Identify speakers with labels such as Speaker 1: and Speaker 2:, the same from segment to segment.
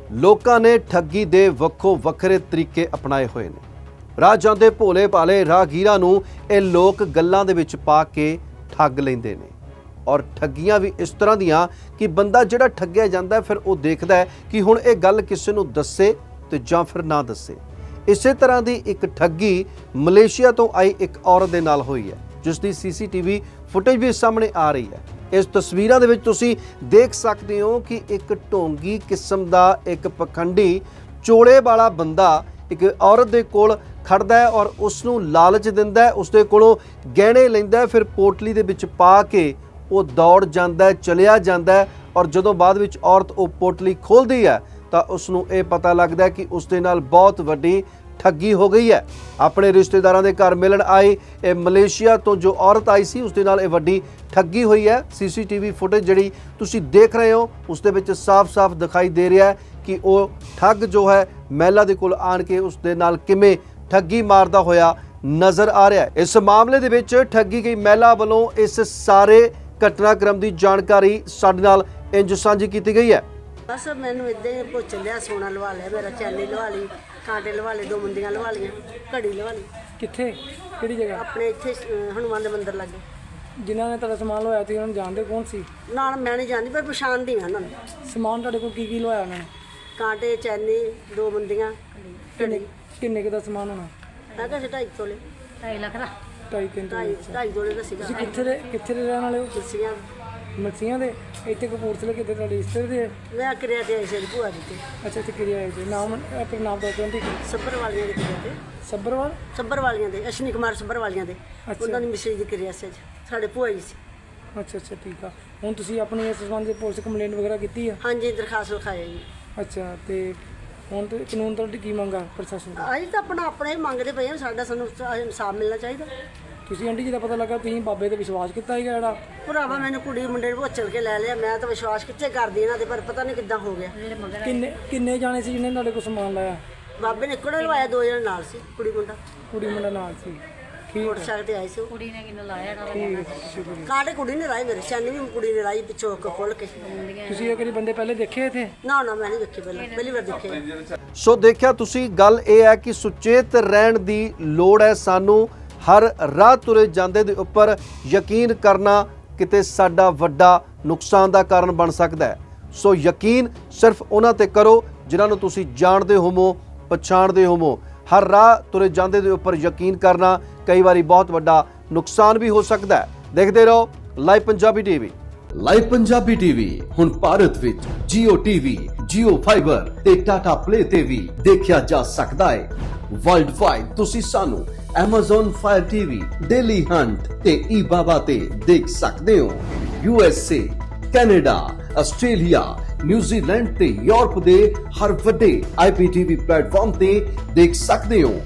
Speaker 1: ਲੋਕਾਂ ਨੇ ਠੱਗੀ ਦੇ ਵੱਖੋ ਵੱਖਰੇ ਤਰੀਕੇ ਅਪਣਾਏ ਹੋਏ ਨੇ। ਰਾਹ ਜਾਂਦੇ ਭੋਲੇ ਭਾਲੇ ਰਾਹਗੀਰਾਂ ਨੂੰ ਇਹ ਲੋਕ ਗੱਲਾਂ ਦੇ ਵਿੱਚ ਪਾ ਕੇ ਠੱਗ ਲੈਂਦੇ ਨੇ ਔਰ ਠੱਗੀਆਂ ਵੀ ਇਸ ਤਰ੍ਹਾਂ ਦੀਆਂ ਕਿ ਬੰਦਾ ਜਿਹੜਾ ਠੱਗਿਆ ਜਾਂਦਾ ਫਿਰ ਉਹ ਦੇਖਦਾ ਹੈ ਕਿ ਹੁਣ ਇਹ ਗੱਲ ਕਿਸੇ ਨੂੰ ਦੱਸੇ ਤੇ ਜਾਂ ਫਿਰ ਨਾ ਦੱਸੇ। ਇਸੇ ਤਰ੍ਹਾਂ ਦੀ ਇੱਕ ਠੱਗੀ ਮਲੇਸ਼ੀਆ ਤੋਂ ਆਈ ਇੱਕ ਔਰਤ ਦੇ ਨਾਲ ਹੋਈ ਹੈ, ਜਿਸ ਦੀ ਸੀਸੀਟੀਵੀ ਫੁਟੇਜ ਵੀ ਸਾਹਮਣੇ ਆ ਰਹੀ ਹੈ। ਇਸ ਤਸਵੀਰਾਂ ਦੇ ਵਿੱਚ ਤੁਸੀਂ ਦੇਖ ਸਕਦੇ ਹੋ ਕਿ ਇੱਕ ਢੋਂਗੀ ਕਿਸਮ ਦਾ ਇੱਕ ਪਖੰਡੀ ਚੋਲੇ ਵਾਲਾ ਬੰਦਾ ਇੱਕ ਔਰਤ ਦੇ ਕੋਲ ਖੜਦਾ ਹੈ ਔਰ ਉਸ ਨੂੰ ਲਾਲਚ ਦਿੰਦਾ ਹੈ, ਉਸ ਦੇ ਕੋਲੋਂ ਗਹਿਣੇ ਲੈਂਦਾ ਹੈ, ਫਿਰ ਪੋਟਲੀ ਦੇ ਵਿੱਚ ਪਾ ਕੇ ਉਹ ਦੌੜ ਜਾਂਦਾ ਹੈ, ਚਲਿਆ ਜਾਂਦਾ ਹੈ ਔਰ ਜਦੋਂ ਬਾਅਦ ਵਿੱਚ ਔਰਤ ਉਹ ਪੋਟਲੀ ਖੋਲ੍ਹਦੀ ਹੈ ਤਾਂ ਉਸ ਨੂੰ ਇਹ ਪਤਾ ਲੱਗਦਾ ਹੈ ਕਿ ਉਸ ਦੇ ਨਾਲ ਬਹੁਤ ਵੱਡੀ ਠੱਗੀ ਹੋ ਗਈ ਹੈ। ਆਪਣੇ ਰਿਸ਼ਤੇਦਾਰਾਂ ਦੇ ਘਰ ਮਿਲਣ ਆਈ ਇਹ ਮਲੇਸ਼ੀਆ ਤੋਂ ਜੋ ਔਰਤ ਆਈ ਸੀ ਉਸ ਦੇ ਨਾਲ ਇਹ ਵੱਡੀ ਠੱਗੀ ਹੋਈ ਹੈ। ਸੀਸੀਟੀਵੀ ਫੁਟੇਜ ਜਿਹੜੀ ਤੁਸੀਂ ਦੇਖ ਰਹੇ ਹੋ ਉਸ ਦੇ ਵਿੱਚ ਸਾਫ਼-ਸਾਫ਼ ਦਿਖਾਈ ਦੇ ਰਿਹਾ ਹੈ ਕਿ ਉਹ ਠੱਗ ਜੋ ਹੈ ਮਹਿਲਾ ਦੇ ਕੋਲ ਆਣ ਕੇ ਉਸ ਦੇ ਨਾਲ ਕਿਵੇਂ ਠੱਗੀ ਮਾਰਦਾ ਹੋਇਆ ਨਜ਼ਰ ਆ ਰਿਹਾ ਹੈ। ਇਸ ਮਾਮਲੇ ਦੇ ਵਿੱਚ ਠੱਗੀ ਗਈ ਮਹਿਲਾ ਵੱਲੋਂ ਇਸ ਸਾਰੇ ਘਟਨਾਕ੍ਰਮ ਦੀ ਜਾਣਕਾਰੀ ਸਾਡੇ ਨਾਲ ਇੰਜ ਸਾਂਝੀ ਕੀਤੀ ਗਈ ਹੈ।
Speaker 2: बस मैंने इदा ही पुछ लिया, सोना लवा लिया, मेरा चैनी लवा ली, कांटे लवा ले, 2 मुंदियां लवा लिया, घड़ी लवा ली।
Speaker 3: ਕਿੱਥੇ ਕਿਹੜੀ ਜਗ੍ਹਾ
Speaker 2: अपने इत्थे हनुमान दे मंदिर लगे।
Speaker 3: ਜਿਨ੍ਹਾਂ ਨੇ ਤੁਹਾਡਾ ਸਮਾਨ ਲਵਾਇਆ ਤੁਸੀਂ ਉਹਨਾਂ ਨੂੰ ਜਾਣਦੇ ਕੌਣ ਸੀ?
Speaker 2: नाल मैं नहीं जानती पर पछाणदी हां उन्हां नूं।
Speaker 3: ਸਮਾਨ ਤੁਹਾਡੇ ਕੋਲ ਕੀ ਲਵਾਇਆ ਉਹਨਾਂ ਨੇ?
Speaker 2: कांटे, चैनी, 2 मुंदियां, घड़ी।
Speaker 3: ਕਿੰਨੇ ਕੁ ਦਾ ਸਮਾਨ ਹੋਣਾ?
Speaker 2: मैं कहा 2.5 तोले,
Speaker 4: 2.5 ਲੱਖ ਦਾ
Speaker 3: 2.5 ਘੰਟੇ।
Speaker 2: 2.5 तोले दा सीगा।
Speaker 3: ਤੁਸੀਂ ਕਿੱਥੇ ਦੇ ਰਹਿਣ ਵਾਲੇ ਹੋ?
Speaker 2: दसियां
Speaker 3: ਮਲਸੀਆਂ ਦੇ? ਇੱਥੇ ਕਪੂਰਥਲੇ ਕਿਤੇ ਤੁਹਾਡੇ ਰਿਸ਼ਤੇ ਦੇ?
Speaker 2: मैं किरिया ते आई सी भूआ दी ते
Speaker 3: ਅੱਛਾ ਇੱਥੇ ਕਿਰਿਆ ਹੈ ਜੀ। ਨਾਮ ਆਪਣਾ ਨਾਮ ਦੱਸ ਦਿਓ।
Speaker 2: सब्बर वालियां दे किरिया ते
Speaker 3: ਸੱਬਰਵਾਲ?
Speaker 2: सब्बर वालियां दे अश्विनी कुमार सब्बर वालियां दे
Speaker 3: अच्छा।
Speaker 2: उन्हां दी मिसरी दी किरिया सी साडे भूआ जी सी।
Speaker 3: ਅੱਛਾ ਠੀਕ ਆ। ਹੁਣ ਤੁਸੀਂ ਆਪਣੀ ਇਸ ਸੰਬੰਧ ਵਿੱਚ ਪੁਲਿਸ ਕੰਪਲੇਂਟ ਵਗੈਰਾ ਕੀਤੀ ਆ?
Speaker 2: हाँ जी दरखास्त लिखाई जी।
Speaker 3: ਅੱਛਾ ਤੇ ਹੁਣ ਤੇ ਕਾਨੂੰਨ ਤੁਹਾਡੀ ਕੀ ਮੰਗਾ ਪ੍ਰਸ਼ਾਸਨ ਤੋਂ?
Speaker 2: ਅਸੀਂ ਤਾਂ ਆਪਣਾ ਹੀ ਮੰਗਦੇ ਪਏ ਹਾਂ, ਸਾਡਾ ਸਾਨੂੰ ਇਨਸਾਫ ਮਿਲਣਾ ਚਾਹੀਦਾ।
Speaker 3: ਤੁਸੀਂ ਆਂਟੀ ਜੀ ਦਾ ਪਤਾ ਲੱਗਾ ਤੁਸੀਂ ਬਾਬੇ ਤੇ ਵਿਸ਼ਵਾਸ ਕੀਤਾ ਹੈਗਾ ਜਿਹੜਾ?
Speaker 2: ਭਰਾਵਾ ਮੈਨੂੰ ਕੁੜੀ ਮੁੰਡੇ ਨੂੰ ਭੋਚਲ ਕੇ ਲੈ ਲਿਆ, ਮੈਂ ਤਾਂ ਵਿਸ਼ਵਾਸ ਕਿੱਥੇ ਕਰਦੀ ਇਹਨਾਂ ਦੇ, ਪਰ ਪਤਾ ਨਹੀਂ ਕਿੱਦਾਂ ਹੋ ਗਿਆ।
Speaker 3: ਕਿੰਨੇ ਜਾਣੇ ਸੀ ਜਿਹਨੇ ਤੁਹਾਡੇ ਕੋਲ ਸਮਾਨ ਲਾਇਆ?
Speaker 2: ਬਾਬੇ ਨੇ ਇੱਕੋ ਲਵਾਇਆ, 2 ਜਣੇ ਨਾਲ ਸੀ, ਕੁੜੀ ਮੁੰਡਾ
Speaker 3: ਕੁੜੀ ਮੁੰਡਾ ਨਾਲ ਸੀ? ਠੀਕ
Speaker 2: ਮੋਟਰਸਾਈਕਲ ਤੇ ਆਏ ਸੀ ਉਹ।
Speaker 4: ਕੁੜੀ ਨੇ ਕਿੰਨੂੰ ਲਾਇਆ ਨਾ
Speaker 3: ਠੀਕ, ਸ਼ੁਕਰੀਆ।
Speaker 2: ਕਾਂਟੇ ਕੁੜੀ ਨੇ ਲਾਏ, ਮੇਰੇ ਛਾਨੀ ਵੀ ਕੁੜੀ ਨੇ ਲਾਈ ਪਿੱਛੋਂ ਖੋਲ ਕੇ।
Speaker 3: ਤੁਸੀਂ ਇਹ ਕਿਹੜੇ ਬੰਦੇ ਪਹਿਲੇ ਦੇਖੇ ਇੱਥੇ?
Speaker 2: ਨਾ ਮੈਂ ਨਹੀਂ ਦੇਖੇ, ਪਹਿਲੀ ਵਾਰ ਦੇਖੇ।
Speaker 1: ਸੋ ਦੇਖਿਆ ਤੁਸੀਂ, ਗੱਲ ਇਹ ਹੈ ਕਿ ਸੁਚੇਤ ਰਹਿਣ ਦੀ ਲੋੜ ਹੈ ਸਾਨੂੰ। ਹਰ ਰਾਹ ਤੁਰੇ ਜਾਂਦੇ ਦੇ ਉੱਪਰ ਯਕੀਨ ਕਰਨਾ ਕਿਤੇ ਸਾਡਾ ਵੱਡਾ ਨੁਕਸਾਨ ਦਾ ਕਾਰਨ ਬਣ ਸਕਦਾ ਹੈ। ਸੋ ਯਕੀਨ ਸਿਰਫ ਉਹਨਾਂ ਤੇ ਕਰੋ ਜਿਨ੍ਹਾਂ ਨੂੰ ਤੁਸੀਂ ਜਾਣਦੇ ਹੋਵੋ, ਪਛਾਣਦੇ ਹੋਵੋ। ਹਰ ਰਾਹ ਤੁਰੇ ਜਾਂਦੇ ਦੇ ਉੱਪਰ ਯਕੀਨ ਕਰਨਾ ਕਈ ਵਾਰੀ ਬਹੁਤ ਵੱਡਾ ਨੁਕਸਾਨ ਵੀ ਹੋ ਸਕਦਾ ਹੈ। ਦੇਖਦੇ ਰਹੋ live Punjabi TV.
Speaker 5: Live Punjabi TV ਹੁਣ ਭਾਰਤ ਵਿੱਚ Jio TV, Jio Fiber ਤੇ Tata Play ਤੇ ਵੀ ਦੇਖਿਆ ਜਾ ਸਕਦਾ ਹੈ। ਵਰਲਡ ਵਾਈਡ ਤੁਸੀਂ ਸਾਨੂੰ Amazon Fire TV, Daily Hunt ਤੇ eBaba ਤੇ ਦੇਖ ਸਕਦੇ ਹੋ। USA, ਕੈਨੇਡਾ, ਆਸਟ੍ਰੇਲੀਆ, ਨਿਊਜ਼ੀਲੈਂਡ ਤੇ ਯੂਰਪ ਦੇ ਹਰ ਵੱਡੇ IPTV ਪਲੇਟਫਾਰਮ ਤੇ ਦੇਖ ਸਕਦੇ ਹੋ।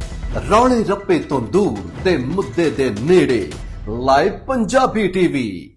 Speaker 5: ਰੌਲੇ ਰੱਪੇ ਤੋਂ ਦੂਰ ਤੇ ਮੁੱਦੇ ਦੇ ਨੇੜੇ ਲਾਈਵ ਪੰਜਾਬੀ ਟੀਵੀ।